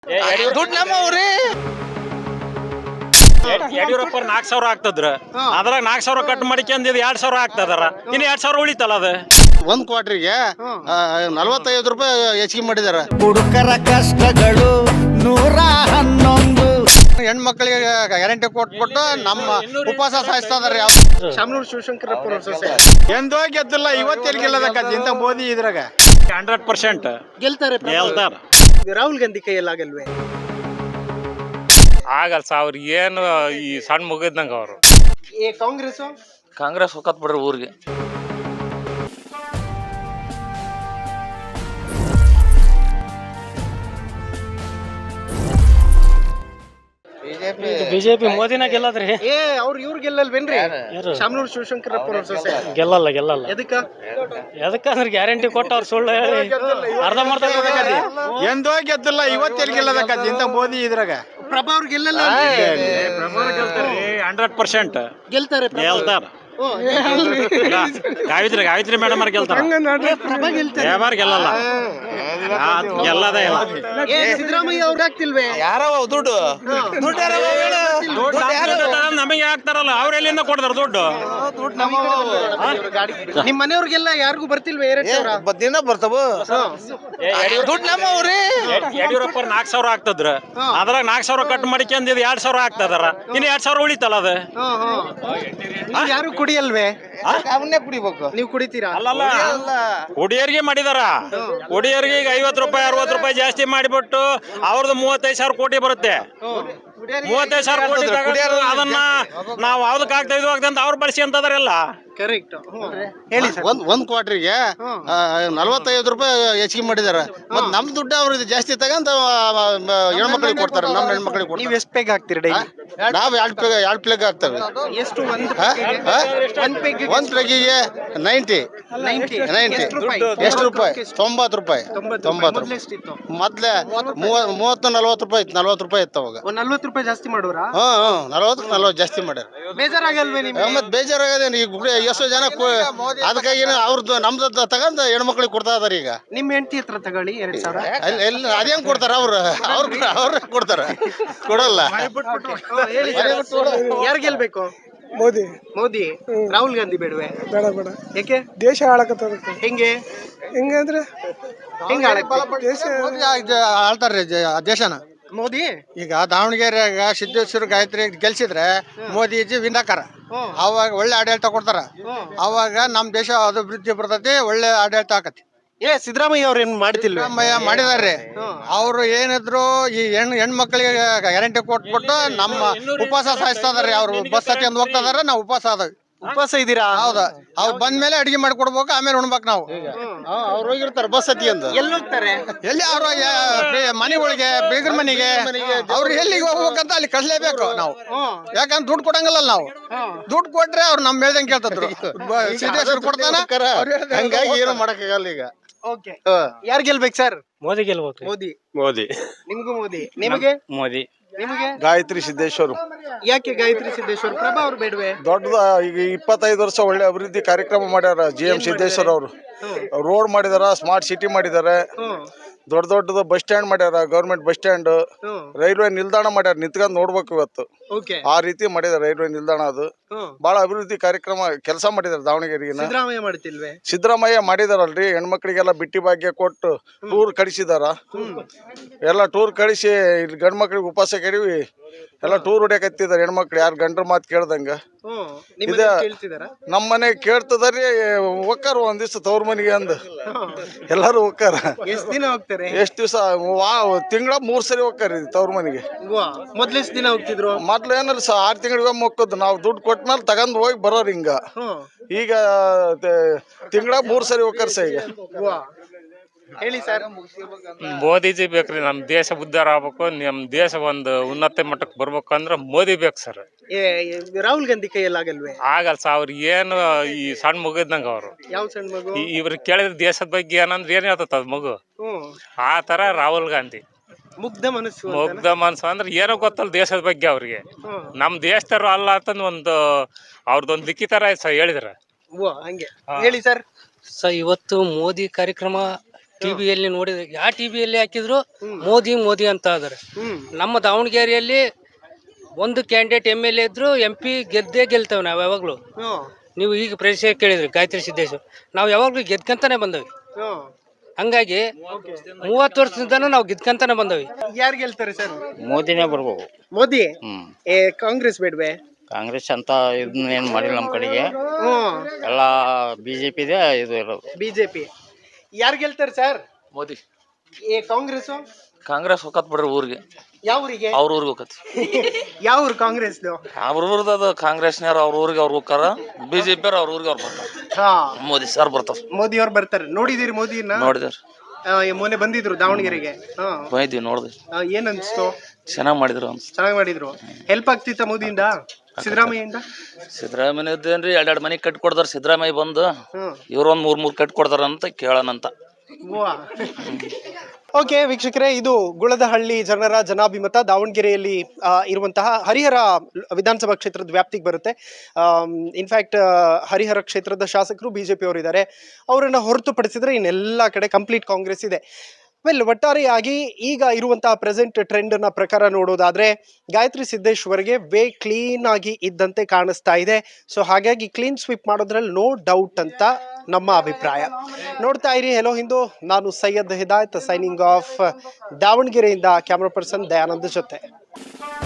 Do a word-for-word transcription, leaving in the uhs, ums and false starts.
ದುಡ್ಡು ನಮ್ಮವ್ರಿ ಯಡಿಯೂರಪ್ಪ ನಾಲ್ಕು ಸಾವಿರ ಆಗ್ತದ್ರ ಅದ್ರಾಗ ನಾಲ್ಕು ಸಾವಿರ ಕಟ್ ಮಾಡಿಕೊಂಡ್ ಎರಡ್ ಸಾವಿರ ಆಗ್ತದಾರ ಇನ್ನು ಎರಡ್ ಸಾವಿರ ಉಳಿತಲ್ಲ ಅದು ಒಂದ್ ಕ್ವಾರ್ಟರ್ಗೆ ನಲವತ್ತೈದು ರೂಪಾಯಿ ಹೆಚ್ಚಿಗೆ ಮಾಡಿದಾರ. ಹುಡುಕರ ಕಷ್ಟಗಳು ನೂರ ಹನ್ನೊಂದು ಹೆಣ್ಮಕ್ಳಿಗೆ ಗ್ಯಾರಂಟಿ ಕೊಟ್ಬಿಟ್ಟು ನಮ್ಮ ಉಪವಾಸ ಸಾಯಿಸ್ತಾ ಇದಾರೆ. ಶಾಮನೂರು ಶಿವಶಂಕರಪ್ಪ ಸೊಸೆ ಎಂದೋ ಗೆದ್ದಿಲ್ಲ, ಇವತ್ತೆಲ್ಲಿ ಗೆಲ್ಲದಕ್ಕ ಇಂತ ಮೋದಿ ಇದ್ರಾಗ ಹಂಡ್ರೆಡ್ ಪರ್ಸೆಂಟ್ ಗೆಲ್ತಾರೆ. ಗೆಲ್ತಾರ. ರಾಹುಲ್ ಗಾಂಧಿ ಕೈಯಲ್ಲಾಗಲ್ವೇ? ಆಗಲ್ಲ ಅವ್ರ ಏನು ಈ ಸಣ್ಣ ಮುಗಿದ್ನಂಗ ಅವರು ಏ ಕಾಂಗ್ರೆಸ್ ಕಾಂಗ್ರೆಸ್ ಹೋಗತ್ ಬಿಡ್ರಿ ಊರಿಗೆ. ಬಿಜೆಪಿ ಮೋದಿನ ಗೆಲ್ಲದ್ರಿ. ಏ ಅವ್ರ ಇವ್ರ ಗೆಲ್ಲಲ್ವೇನ್ರಿ? ಶಾಮನೂರು ಶಿವಶಂಕರಪ್ಪ ಸೊಸೆ ಗೆಲ್ಲಲ್ಲ ಗೆಲ್ಲಲ್ಲ. ಎದಕ್ಕ? ಎದಕ್ಕಂದ್ರೆ ಗ್ಯಾರಂಟಿ ಕೊಟ್ಟ ಅವ್ರು ಸುಳ್ಳು ಹೇಳಿ ಅರ್ಧ ಮಾಡ್ತಾ ಎಂದೋ ಗೆದ್ದಿಲ್ಲ, ಇವತ್ತೆಲ್ಲಿ ಗೆಲ್ಲದಕ್ಕ ಇಂತ ಮೋದಿ ಇದ್ರಾಗ. ಪ್ರಭಾ ಅವ್ರು ಗೆಲ್ಲಲ್ಲ? ಹಂಡ್ರೆಡ್ ಪರ್ಸೆಂಟ್ ಗೆಲ್ತಾರೆ. ಗೆಲ್ತಾರ. ಗಾಯತ್ರಿ ಗಾಯತ್ರಿ ಮೇಡಮ್ ಅವ್ರ ಗೆಲ್ತಾರ. ಪ್ರಭಾ ಗೆಲ್ತಾರೆ. ಯಾವಾರ ಗೆಲ್ಲಲ್ಲ, ಗೆಲ್ಲದೇ ಇಲ್ಲ. ಏ ಸಿದ್ದರಾಮಯ್ಯ ಅವ್ರು ಆಗ್ತಿಲ್ವೇ? ಯಾರವ ದುಡ್ಡು ನಮಗೆ ಹಾಕ್ತಾರಲ್ಲ, ಅವ್ರ ಎಲ್ಲಿಂದ ಕೊಡ್ತಾರ ದುಡ್ಡು? ನಿಮ್ ಮನೆಯವ್ರಿಗೆಲ್ಲ ಯಾರಿಗೂ ಬರ್ತಿಲ್ವೇ ಎರಡ್ ಸಾವಿರ? ದಿನ ಬರ್ತಾವ ದುಡ್ಡು ನಮ್ಮವ್ರಿ. ಯಡಿಯೂರಪ್ಪ ನಾಲ್ಕು ಸಾವಿರ ಆಗ್ತದ್ರ ಅದ್ರಾಗ ನಾಲ್ಕು ಸಾವಿರ ಕಟ್ ಮಾಡಿಕೊಂಡ್ ಎರಡ್ ಸಾವಿರ ಆಗ್ತದಾರ ಇನ್ನು ಎರಡ್ ಸಾವಿರ ಉಳಿತಲ್ಲ ಅದು. ಯಾರು ಕುಡಿಯಲ್ವೇ? ಅವನ್ನೇ ಕುಡಿಬೇಕು. ನೀವು ಕುಡಿತೀರಾ? ಅಲ್ಲಲ್ಲ, ಒಡಿಯರ್ಗೆ ಮಾಡಿದಾರ. ಒಡಿಯರ್ಗೆ ಈಗ ಐವತ್ತು ರೂಪಾಯಿ ಅರವತ್ತು ರೂಪಾಯಿ ಜಾಸ್ತಿ ಮಾಡಿಬಿಟ್ಟು ಅವ್ರದ್ದು ಮೂವತ್ತೈದು ಸಾವಿರ ಕೋಟಿ ಬರುತ್ತೆ. ಮೂವತ್ತೈದು ಸಾವಿರ ಕೋಟಿ ತಗೊಂಡು ಅದನ್ನ ನಾವು ಯಾವ್ದಕ್ ಆಗ್ತಾ ಇದು ಆಗ್ತದೆ ಅಂತ ಅವ್ರು ಬಳಸಿ ಅಂತದಾರೆಲ್ಲ. ಕರೆಕ್ಟ್. ಹೇಳಿ ಒಂದ್ ಒಂದ್ ಕ್ವಾರ್ಟರ್ಗೆ ನಲವತ್ತೈದು ರೂಪಾಯಿ ಹೆಚ್ಚಿಗೆ ಮಾಡಿದಾರ. ಮತ್ ನಮ್ ದುಡ್ಡು ಅವ್ರಿಗೆ ಜಾಸ್ತಿ ತಗೊಂಡ್ ಹೆಣ್ಮಕ್ಳಿಗೆ ಕೊಡ್ತಾರೆ, ನಮ್ ಹೆಣ್ಮಕ್ಳಿಗೆ ನೀವ್ ಕೊಡ್ತಾರೆ. ಎಷ್ಟ್ ಪೆಗ್ ಹಾಕ್ತೀರಿ ಡೈಲಿ? ನಾವ್ ಎರಡ್ ಪ್ಲೇಗ್ ಎರಡ್ ಪ್ಲೇಗ್ ಆಗ್ತವೆ. ಎಷ್ಟು? ಒಂದ್ ಒಂದ್ ಪ್ಲೇಗಿಗೆ ನೈಂಟಿ ನೈಂಟಿ ಎಷ್ಟು ರೂಪಾಯಿ? ತೊಂಬತ್ತು ರೂಪಾಯಿ. ತೊಂಬತ್ತು ರೂಪಾಯಿ ಮೊದ್ಲೆ ಮೂವತ್ತು ನಲ್ವತ್ತು ರೂಪಾಯಿ ಇತ್ತು. ನಲ್ವತ್ತು ರೂಪಾಯಿ ಇತ್ತು ಅವಾಗ. ನಲ್ವತ್ತು ರೂಪಾಯಿ ಜಾಸ್ತಿ ಮಾಡೋರಾ? ಹ್ಮ್ ಹ್ಮ್ ನಲ್ವತ್ತು ನಲ್ವತ್ತು ಜಾಸ್ತಿ ಮಾಡ್ಯಾರ. ಬೇಜಾರಾಗಲ್ವೇ ನಿಮ್ಗೆ? ಮತ್ ಬೇಜಾರಾಗದೇನು ಈಗ ಎಷ್ಟೋ ಜನ ಅದಕ್ಕಾಗಿ ಅವ್ರದ್ದು ನಮ್ದು ತಗೊಂಡ್ ಹೆಣ್ಮಕ್ಳಿಗೆ ಕೊಡ್ತಾ ಇದಾರೆ. ಈಗ ನಿಮ್ ಹೆಂಡತಿ ಹತ್ರ ತಗೊಳ್ಳಿ ಎರಡ್ ಸಾವಿರ. ಎಲ್ಲಿ ಅದೇನ್ ಕೊಡ್ತಾರ? ಅವ್ರ ಅವ್ರ ಅವ್ರ ಕೊಡ್ತಾರ, ಕೊಡಲ್ಲ. ಯಾರು ಗೆಲ್ಬೇಕು? ಮೋದಿ. ಮೋದಿ. ರಾಹುಲ್ ಗಾಂಧಿ ಬೇಡವೆ? ಬೇಡ ಬೇಡ, ಯಾಕೆ? ದೇಶ ಹಾಳಕತ್ತದ. ಹೆಂಗೆ ಹೆಂಗಂದ್ರೆ ಹೆಂಗ ದೇಶ ಆಳ್ತಾರ್ರಿ ದೇಶನ. ಮೋದಿ ಈಗ ದಾವಣಗೆರೆಯಾಗ ಸಿದ್ದೇಶ್ವರ ಗಾಯತ್ರಿ ಗೆಲ್ಸಿದ್ರೆ ಮೋದಿಜಿ ವಿನ್ ಹಾಕಾರ. ಅವಾಗ ಒಳ್ಳೆ ಆಡಳಿತ ಕೊಡ್ತಾರ. ಅವಾಗ ನಮ್ ದೇಶ ಅಭಿವೃದ್ಧಿ ಬರ್ತೈತಿ, ಒಳ್ಳೆ ಆಡಳಿತ ಆಕತಿ. ಏ ಸಿದ್ದರಾಮಯ್ಯ ಅವ್ರ ಏನ್ ಮಾಡ್ತಿಲ್ವ? ಸಿದ್ದರಾಮಯ್ಯ ಮಾಡಿದಾರ್ರಿ. ಅವ್ರು ಏನಿದ್ರು ಈ ಹೆಣ್ ಹೆಣ್ಮಕ್ಳಿಗೆ ಗ್ಯಾರಂಟಿ ಕೊಟ್ಬಿಟ್ಟು ನಮ್ಮ ಉಪವಾಸ ಸಾಯಿಸ್ತಾ ಇದಾರೆ. ಅವ್ರು ಬಸ್ ಹತ್ತಿ ಅಂದ್ ಹೋಗ್ತಾ ಇದಾರೆ, ನಾವು ಉಪವಾಸ ಅದಾವ. ಉಪವಾಸ ಇದೀರಾ? ಹೌದಾ? ಅವ್ರು ಬಂದ್ಮೇಲೆ ಅಡಿಗೆ ಮಾಡಿ ಕೊಡ್ಬೇಕು, ಆಮೇಲೆ ಉಣ್ಬೇಕು ನಾವು. ಅವ್ರು ಹೋಗಿರ್ತಾರ ಬಸ್ ಹತ್ತಿ ಅಂದ್. ಎಲ್ಲಿ ಹೋಗ್ತಾರೆ? ಎಲ್ಲಿ ಅವ್ರ ಮನೆಗಳಿಗೆ, ಬೀಗರ ಮನೆಗೆ, ಅವ್ರು ಎಲ್ಲಿಗೆ ಹೋಗ್ಬೇಕಂತ ಅಲ್ಲಿ ಕಳ್ಸಲೇಬೇಕು ನಾವು. ಯಾಕಂದ್ರೆ ದುಡ್ಡು ಕೊಡಂಗಲ್ಲ ನಾವು. ದುಡ್ಡು ಕೊಟ್ರೆ ಅವ್ರು ನಮ್ ಹೇಳ್ದಂಗೆ ಕೇಳ್ತಿದ್ರು. ಸಿದ್ದೇಶ್ವರ ಕೊಡ್ತಾನ, ಹಂಗಾಗಿ ಏನು ಮಾಡಕ್ಕಾಗಲ್ಲ ಈಗ. ಓಕೆ, ಯಾರು ಗೆಲ್ಬೇಕು ಸರ್? ಮೋದಿ ಗೆಲ್ಬೇಕು. ಮೋದಿ. ಮೋದಿ. ನಿಮ್ಗೂ ಮೋದಿ. ನಿಮಗೆ? ಮೋದಿ. ನಿಮಗೆ? ಗಾಯತ್ರಿ ಸಿದ್ದೇಶ್ವರ್. ಯಾಕೆ ಗಾಯತ್ರಿ ಸಿದ್ದೇಶ್ವರ್? ಪ್ರಭಾ ಅವ್ರು ಬೇಡವೆ? ದೊಡ್ಡದ ಈಗ ಇಪ್ಪತ್ತೈದು ವರ್ಷ ಒಳ್ಳೆ ಅಭಿವೃದ್ಧಿ ಕಾರ್ಯಕ್ರಮ ಮಾಡ್ಯಾರ ಜಿ ಎಂ ಸಿದ್ದೇಶ್ವರ್ ಅವರು. ರೋಡ್ ಮಾಡಿದಾರ, ಸ್ಮಾರ್ಟ್ ಸಿಟಿ ಮಾಡಿದಾರೆ, ದೊಡ್ಡ ದೊಡ್ಡದು ಬಸ್ ಸ್ಟ್ಯಾಂಡ್ ಮಾಡ್ಯಾರ, ಗೌರ್ಮೆಂಟ್ ಬಸ್ ಸ್ಟ್ಯಾಂಡ್, ರೈಲ್ವೆ ನಿಲ್ದಾಣ ಮಾಡ್ಯಾರ. ನಿಂತ್ಕೊಂಡ್ ನೋಡ್ಬೇಕು ಇವತ್ತು. ಆ ರೀತಿ ಮಾಡಿದಾರೆ ರೈಲ್ವೆ ನಿಲ್ದಾಣ. ಅದು ಬಹಳ ಅಭಿವೃದ್ಧಿ ಕಾರ್ಯಕ್ರಮ ಕೆಲಸ ಮಾಡಿದಾರೆ ದಾವಣಗೆರೆಗೆ. ಸಿದ್ದರಾಮಯ್ಯ ಮಾಡ್ತಿಲ್ವೇ? ಸಿದ್ದರಾಮಯ್ಯ ಮಾಡಿದಾರಲ್ರಿ, ಹೆಣ್ಮಕ್ಳಿಗೆಲ್ಲ ಬಿಟ್ಟಿ ಭಾಗ್ಯ ಕೊಟ್ಟು ಟೂರ್ ಕಳಿಸಿದಾರ. ಎಲ್ಲ ಟೂರ್ ಕಳಿಸಿ ಇಲ್ಲಿ ಗಂಡ್ ಮಕ್ಳಿಗೆ ಉಪವಾಸ ಕೆಡವಿ ಎಲ್ಲ ಟೂರ್ ಹೊಡ್ಯಾಕತ್ತಿದಾರೆ ಹೆಣ್ಮಕ್ಳು. ಯಾರು ಗಂಡ್ರ ಮಾತು ಕೇಳ್ದಂಗ. ಇದ ನಮ್ಮ ಮನೆ ಕೇಳ್ತದ್ರಿ, ಹೋಗ್ತಾರ ಒಂದ್ ದಿವ್ಸ ತವ್ರ ಮನೆಗೆ ಅಂದ್ ಎಲ್ಲಾರು ಹೋಗ್ತಾರ. ಎಷ್ಟ್ ದಿನ ಹೋಗ್ತಾರೆ? ಎಷ್ಟ್ ದಿವ್ಸ? ತಿಂಗಳ ಮೂರ್ ಸರಿ ಹೋಗ್ತಾರ ತವ್ರ ಮನೆಗೆ. ಮೊದ್ಲು ಎಷ್ಟ್ ದಿನ ಹೋಗ್ತಿದ್ರು? ಮೊದ್ಲು ಏನಲ್ಲ ಸ ಆರ್ ತಿಂಗಳಿಗೆ ಮೊಕ್ಕದ್ ನಾವು ದುಡ್ಡು ಕೊಟ್ಮೇಲೆ ತಗೊಂಡ್ ಹೋಗಿ ಬರೋರ್. ಹಿಂಗ ಈಗ ತಿಂಗಳ ಮೂರ್ ಸರಿ ಹೋಗ್ತಾರ ಸ. ಈಗ ಹೇಳಿ ಸರ್. ಮೋದಿಜಿ ಬೇಕ್ರಿ. ನಮ್ ದೇಶ ಉದ್ಧಾರ ಆಗ್ಬೇಕು, ನಮ್ ದೇಶ ಒಂದು ಉನ್ನತ ಮಟ್ಟಕ್ಕೆ ಬರ್ಬೇಕು ಅಂದ್ರೆ ಮೋದಿ ಬೇಕು ಸರ್. ರಾಹುಲ್ ಗಾಂಧಿ ಕೈಯಲ್ಲಾಗಲ್ವೇ? ಆಗಲ್ಲ ಅವ್ರ ಏನು ಈ ಸಣ್ಣ ಮುಗಿದ್ನಂಗ ಅವರು. ಯಾವ ಸಣ್ಣ ಮಗು? ಇವ್ರಿಗೆ ಕೇಳಿದ್ರೆ ದೇಶದ ಬಗ್ಗೆ ಏನಂದ್ರೆ ಏನ್ ಹೇಳ್ತದ ಅದ್ ಮಗು. ಆ ತರ ರಾಹುಲ್ ಗಾಂಧಿ ಮುಗ್ಧ ಮನಸ್ಸು. ಮುಗ್ಧ ಮನಸ್ಸು ಅಂದ್ರೆ ಏನೋ ಗೊತ್ತಲ್ಲ ದೇಶದ ಬಗ್ಗೆ ಅವ್ರಿಗೆ. ನಮ್ ದೇಶದವ್ರು ಅಲ್ಲ ಅಂತಂದ್ ಒಂದು ಅವ್ರದೊಂದು ಲಿಖಿತರ ಹೇಳಿದ್ರ. ಹಂಗೆ ಹೇಳಿ ಸರ್. ಸೊ ಇವತ್ತು ಮೋದಿ ಕಾರ್ಯಕ್ರಮ ಟಿವಿಯಲ್ಲಿ ನೋಡಿದ್ರೆ ಯಾವ ಟಿವಿಯಲ್ಲಿ ಹಾಕಿದ್ರು ಮೋದಿ ಮೋದಿ ಅಂತ ಇದಾರೆ. ನಮ್ಮ ದಾವಣಗೆರೆಯಲ್ಲಿ ಒಂದು ಕ್ಯಾಂಡಿಡೇಟ್ ಎಮ್ ಎಲ್ ಎ ಇದ್ರು ಎಂ ಪಿ ಗೆದ್ದೇ ಗೆಲ್ತೇವೆ ನಾವು ಯಾವಾಗ್ಲೂ. ನೀವು ಈಗ ಪ್ರಶ್ನೆ ಕೇಳಿದ್ರಿ ಗಾಯತ್ರಿ ಸಿದ್ದೇಶ್ವರ್, ನಾವು ಯಾವಾಗ್ಲೂ ಗೆದ್ಕಂತಾನೆ ಬಂದವಿ. ಹಂಗಾಗಿ ಮೂವತ್ತು ವರ್ಷದಿಂದನೂ ನಾವು ಗೆದ್ಕಂತಾನೆ ಬಂದವಿ. ಯಾರು ಗೆಲ್ತಾರೆ ಸರ್? ಮೋದಿನೇ ಬರ್ಬೇಕು. ಮೋದಿ? ಏ ಕಾಂಗ್ರೆಸ್ ಬೇಡ್ವೆ? ಕಾಂಗ್ರೆಸ್ ಅಂತ ಇದನ್ನ ಏನ್ ಮಾಡಿಲ್ಲ ನಮ್ಮ ಕಡೆಗೆ, ಹ್ಮ್ ಎಲ್ಲ ಬಿಜೆಪಿ ಇದೆ ಇದು ಇರೋದು. ಬಿಜೆಪಿ. ಯಾರು ಗೆಲ್ತಾರೆ ಸರ್? ಮೋದಿ. ಏ ಕಾಂಗ್ರೆಸ್? ಕಾಂಗ್ರೆಸ್ ಹೋಗತ್ ಬಿಡ್ರಿ ಊರಿಗೆ. ಯಾವ ಊರಿಗೆ? ಅವ್ರ ಊರಿಗೆ ಹೋಗತ್. ಯಾವ ಊರು ಕಾಂಗ್ರೆಸ್? ಅವ್ರ ಊರ್ದ ಅದು ಕಾಂಗ್ರೆಸ್ನವ್ರು ಅವ್ರ ಊರಿಗೆ ಅವ್ರು ಹೋಗ್ತಾರ, ಬಿಜೆಪಿ ಅವ್ರ ಊರಿಗೆ ಅವ್ರು ಬರ್ತಾರ. ಹಾ, ಮೋದಿ ಸರ್ ಬರ್ತಾರ. ಮೋದಿ ಅವ್ರು ಬರ್ತಾರೆ. ನೋಡಿದಿರಿ ಮೋದಿನ? ನೋಡಿದ್ರಿ, ಮೊನ್ನೆ ಬಂದಿದ್ರು ದಾವಣಗೆರೆಗೆ. ಹಾ ಬಂದಿದ್ವಿ, ನೋಡಿದ್ವಿ. ಏನ್ ಅನ್ಸ್ತು? ಚೆನ್ನಾಗ್ ಮಾಡಿದ್ರು ಅನ್ಸ್ ಚೆನ್ನಾಗಿ ಮಾಡಿದ್ರು. ಹೆಲ್ಪ್ ಆಗ್ತಿತ್ತ ಮೋದಿಯಿಂದ, ಸಿದ್ದರಾಮಯ್ಯಿಂದ? ಸಿದ್ದರಾಮಯ್ಯದೇನ್ರಿ ಎರಡೆರಡು ಮನೆ ಕಟ್ಟಿ ಕೊಡ್ತಾರ. ಸಿದ್ದರಾಮಯ್ಯ ಬಂದು ಇವ್ರ ಒಂದ್ ಮೂರ್ ಮೂರ್ ಕಟ್ಟಿ ಕೊಡ್ತಾರ ಅಂತ ಕೇಳೋಣಂತ. ಓಕೆ ವೀಕ್ಷಕರೇ, ಇದು ಗುಳದಹಳ್ಳಿ ಜನರ ಜನಾಭಿಮತ. ದಾವಣಗೆರೆಯಲ್ಲಿ ಇರುವಂತಹ ಹರಿಹರ ವಿಧಾನಸಭಾ ಕ್ಷೇತ್ರದ ವ್ಯಾಪ್ತಿಗೆ ಬರುತ್ತೆ. ಇನ್ಫ್ಯಾಕ್ಟ್ ಹರಿಹರ ಕ್ಷೇತ್ರದ ಶಾಸಕರು ಬಿಜೆಪಿ ಅವರು ಇದ್ದಾರೆ. ಅವರನ್ನ ಹೊರತುಪಡಿಸಿದ್ರೆ ಇನ್ನೆಲ್ಲ ಕಡೆ ಕಂಪ್ಲೀಟ್ ಕಾಂಗ್ರೆಸ್ ಇದೆ. ವೆಲ್, ಒಟ್ಟಾರೆಯಾಗಿ ಈಗ ಇರುವಂತಹ ಪ್ರೆಸೆಂಟ್ ಟ್ರೆಂಡ್ ನ ಪ್ರಕಾರ ನೋಡೋದಾದ್ರೆ ಗಾಯತ್ರಿ ಸಿದ್ದೇಶ್ವರ್ಗೆ ವೇ ಕ್ಲೀನ್ ಆಗಿ ಇದ್ದಂತೆ ಕಾಣಿಸ್ತಾ ಇದೆ. ಸೊ ಹಾಗಾಗಿ ಕ್ಲೀನ್ ಸ್ವೀಪ್ ಮಾಡೋದ್ರಲ್ಲಿ ನೋ ಡೌಟ್ ಅಂತ ನಮ್ಮ ಅಭಿಪ್ರಾಯ. ನೋಡ್ತಾ ಇರಿ ಹೆಲೋ ಹಿಂದೂ. ನಾನು ಸೈಯದ್ ಹಿದಾಯತ್, ಸೈನಿಂಗ್ ಆಫ್ ದಾವಣಗೆರೆಯಿಂದ ಕ್ಯಾಮ್ರಾ ಪರ್ಸನ್ ದಯಾನಂದ್ ಜೊತೆ.